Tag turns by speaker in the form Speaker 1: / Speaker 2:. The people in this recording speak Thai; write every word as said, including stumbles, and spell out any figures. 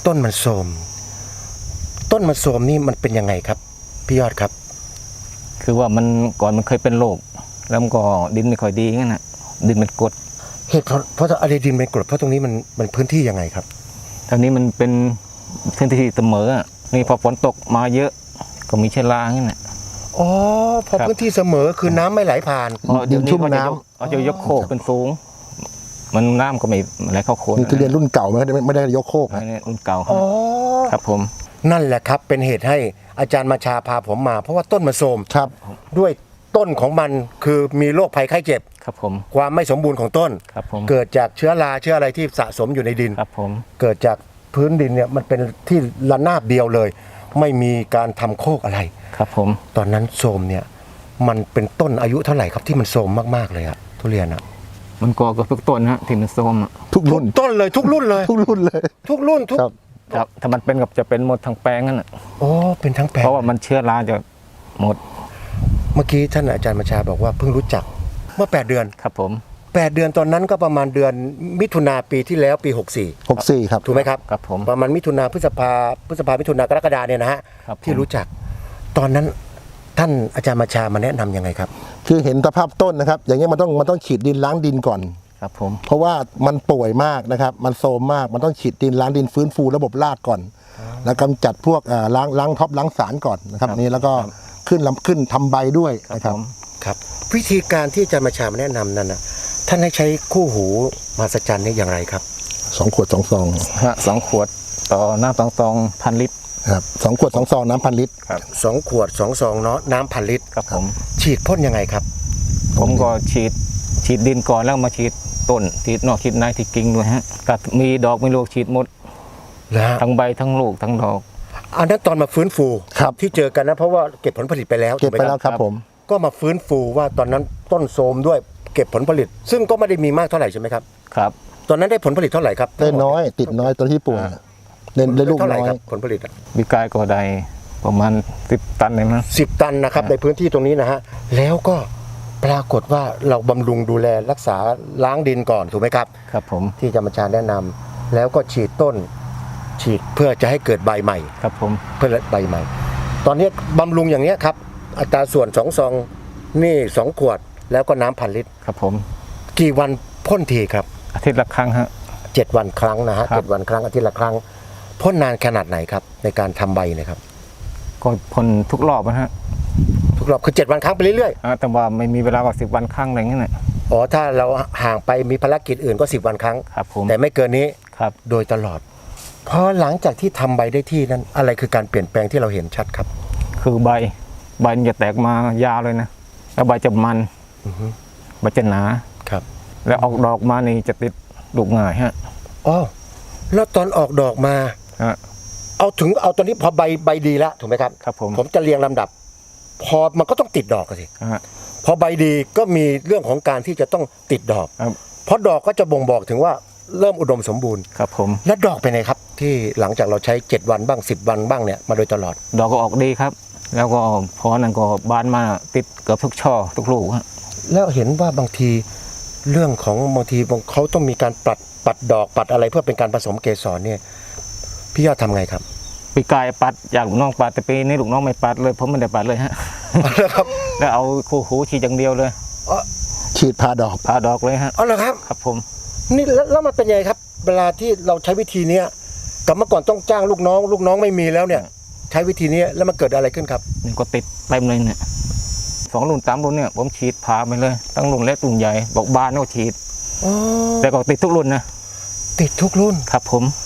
Speaker 1: ต้นมันโทรมต้นมันโทรมนี่มันเป็นยังไงครับพี่ยอดครับ
Speaker 2: คือว่ามันก่อนมันเคยเป็นโรคแล้วมันก็ดินไม่ค่อยดีงั้นนะดินมันกรด
Speaker 1: เหตุเพราะเพราะอะไรดินเป็นกรดเพราะตรงนี้มันมันพื้นที่ยังไงครับ
Speaker 2: ทางนี้มันเป็นพื้นที่เสมอนี่พอฝนตกมาเยอะก็มีเชื้อรางั้นนะ
Speaker 1: อ๋อพอพื้นที่เสมอคือน้ำไม่ไหลผ่าน
Speaker 2: ดินชุ่มน้ำเอาจะยกโคกเป็นสูงมันน้ำก็ไม่ไหลเข้าโคน
Speaker 3: นี่ทุเรียนรุ่นเก่าไม่ได้ไม่ได้ยกโคก
Speaker 2: นะรุ่นเก่า
Speaker 1: อ๋อ
Speaker 2: ครับผม
Speaker 1: นั่นแหละครับเป็นเหตุให้อาจารย์มาชาพาผมมาเพราะว่าต้นมันโทรม
Speaker 3: ครับ
Speaker 1: ด้วยต้นของมันคือมีโรคภัยไข้เจ็บ
Speaker 2: ครับผม
Speaker 1: ความไม่สมบูรณ์ของต้น
Speaker 2: ครับผม
Speaker 1: เกิดจากเชื้อราเชื้ออะไรที่สะสมอยู่ในดิน
Speaker 2: ครับผม
Speaker 1: เกิดจากพื้นดินเนี่ยมันเป็นที่ระนาบเดียวเลยไม่มีการทำโคกอะไร
Speaker 2: ครับผม
Speaker 1: ตอนนั้นโทรมเนี่ยมันเป็นต้นอายุเท่าไหร่ครับที่มันโทรมมากๆเลยอะทุเรียนอะ
Speaker 2: มันก่อกับทุกต้นฮะที่มันโทรม
Speaker 3: ทุกรุ่น
Speaker 1: ต้นเลยทุกรุ่นเลย
Speaker 3: ทุกรุ่นเลย
Speaker 1: ทุกรุ่นทุก
Speaker 2: ครับถ้ามันเป็นกับจะเป็นหมดทั้งแปลงนั่นแหละ
Speaker 1: โอ้เป็นทั้งแปลง
Speaker 2: เพราะว่ามันเชื้อราจะหมด
Speaker 1: เมื่อกี้ท่านอาจารย์บัญชาบอกว่าเพิ่งรู้จักเมื่อแปดเดือน
Speaker 2: ครับผม
Speaker 1: แปดเดือนตอนนั้นก็ประมาณเดือนมิถุนาปีที่แล้วปีหกสี่
Speaker 3: หกสี่ครับ
Speaker 1: ถูกไหมครับ
Speaker 2: ครับผม
Speaker 1: ประมาณมิถุนาพฤษภาพฤษภามิถุนากรกฎาเนี่ยนะฮะที่รู้จักตอนนั้นท่านอาจารย์บัญชามาแนะนำยังไงครับ
Speaker 3: คือเห็นสภาพต้นนะครับอย่างเงี้ยมันต้องมันต้องฉีดดินล้างดินก่อน
Speaker 2: ครับผม
Speaker 3: เพราะว่ามันป่วยมากนะครับมันโทรมมากมันต้องฉีดดินล้างดินฟื้นฟูระบบรากก่อนแล้วกำจัดพวกล้างล้างท็อปล้างสารก่อนนะครับนี่แล้วก็ขึ้นลำขึ้นทำใบด้วยนะครับ
Speaker 1: ครับวิธีการที่อาจารย์บัญชามาแนะนำนั้นนะท่านให้ใช้คู่หูมหัศจรรย์นี่อย่างไรครับ
Speaker 3: สองขวดสองซอง
Speaker 2: ฮะสองขวดต่อน้ำสองซองพันลิตร
Speaker 3: ครับสองขวดสองซองน้ำพันลิตร
Speaker 2: ครับ
Speaker 1: สองขวดสองซองเนาะน้ำพันลิตร
Speaker 2: ครับผม
Speaker 1: ฉีดพ่นยังไงครับ
Speaker 2: ผมก็ฉีดฉีดดินก่อนแล้วมาฉีดต้นฉีดนอกฉีดในที่กิ่งด้วยฮะก็มีดอกมีลูกฉีดหมดทั้งใบทั้งลูกทั้งดอก
Speaker 1: อันนั้นตอนมาฟื้นฟูที่เจอกันนะเพราะว่าเก็บผลผลิตไปแล้ว
Speaker 3: เก็บไปแล้วครับผม
Speaker 1: ก็มาฟื้นฟูว่าตอนนั้นต้นโทรมด้วยเก็บผลผลิตซึ่งก็ไม่ได้มีมากเท่าไหร่ใช่ไหมครับ
Speaker 2: ครับ
Speaker 1: ตอนนั้นได้ผลผลิตเท่าไหร่ครับ
Speaker 3: ได้น้อยติดน้อยตอนที่ป่วยได้ลูกน้อย
Speaker 1: ผลผลิต
Speaker 2: วิกายก็ได้ประมาณสิบตันเลยมั้ง
Speaker 1: สิบตันนะครับในพื้นที่ตรงนี้นะฮะแล้วก็ปรากฏว่าเราบำรุงดูแลรักษาล้างดินก่อนถูกไหมครับ
Speaker 2: ครับผม
Speaker 1: ที่อาจารย์บัญชาแนะนำแล้วก็ฉีดต้นฉีดเพื่อจะให้เกิดใบใหม่
Speaker 2: ครับผม
Speaker 1: เพื่อใบใหม่ตอนนี้บำรุงอย่างนี้ครับอัตราส่วนสองซองนี่สองขวดแล้วก็น้ำพันลิตร
Speaker 2: ครับผม
Speaker 1: กี่วันพ่นทีครับ
Speaker 2: อาทิตย์ละครั้งฮะ
Speaker 1: เจ็ดวันครั้งนะฮะเจ็ดวันครั้งอาทิตย์ละครั้งพ่นนานขนาดไหนครับในการทำใบนะครับ
Speaker 2: ก็พ่นทุกรอบนะฮะ
Speaker 1: ทุกรอบคือเจ็ดวันครั้งไปเรื่อย
Speaker 2: ๆแต่ว่าไม่มีเวลากว่าสิบวันครั้งอะไรเงี้ย
Speaker 1: อ๋อถ้าเราห่างไปมีภารกิจอื่นก็สิบวันครั้ง
Speaker 2: ครับผม
Speaker 1: แต่ไม่เกินนี้
Speaker 2: ครับ
Speaker 1: โดยตลอดพอหลังจากที่ทำใบได้ที่นั้นอะไรคือการเปลี่ยนแปลงที่เราเห็นชัดครับ
Speaker 2: คือใบใบจะแตกมายาวเลยนะแล้วใบจะมันใบจะหนา
Speaker 1: ครับ
Speaker 2: แล้วออกดอกมานี่จะติดลูกง่ายฮะ
Speaker 1: อ๋อแล้วตอนออกดอกมาเอาถึงเอาตอนนี้พอใบใบดีแล้วถูกไหมครับ
Speaker 2: ครับผม
Speaker 1: ผมจะเรียงลำดับพอมันก็ต้องติดดอกสิพอใบดีก็มีเรื่องของการที่จะต้องติดดอกเพราะดอกก็จะบ่งบอกถึงว่าเริ่มอุดมสมบูรณ์
Speaker 2: ครับผม
Speaker 1: และดอกเป็นไงครับที่หลังจากเราใช้เจ็ดวันบ้างสิบวันบ้างเนี่ยมาโดยตลอด
Speaker 2: ดอกก็ออกดีครับแล้วก็พอนั้นก็บานมาติดเกือบทุกช่อทุกลูกฮะ
Speaker 1: แล้วเห็นว่าบางทีเรื่องของบางทีเขาต้องมีการปัดปัดดอกปัดอะไรเพื่อเป็นการผสมเกสรเนี่ยพี่ยอดทำไงครับ
Speaker 2: ปีกายปัดอยากลูกน้องปัดแต่ปีนี้ลูกน้องไม่ปัดเลยผมไม่ได้ปัดเลยฮะ
Speaker 1: ครับ
Speaker 2: แล้วเอาคู่หูฉีดอย่างเดียวเลย
Speaker 3: ฉีดพาดอก
Speaker 2: พาดอกเลยฮะ
Speaker 1: อ๋อเหรอครับ
Speaker 2: ครับผม
Speaker 1: นี่แล้วมันเป็นยังไงครับเวลาที่เราใช้วิธีนี้กับเมื่อก่อนต้องจ้างลูกน้องลูกน้องไม่มีแล้วเนี่ยใช้วิธีนี้แล้วมันเกิดอะไรขึ้นครับ
Speaker 2: นี่ก็ติดเต็มเลยเนี่ยสองรุ่นสามรุ่นเนี่ยผมฉีดพาไปเลยตั้งรุ่นเล็กรุ่นใหญ่บอกบานก็ฉีดแต่ก็ติดทุกรุ่นนะ
Speaker 1: ติดทุกรุ่น
Speaker 2: ครับผม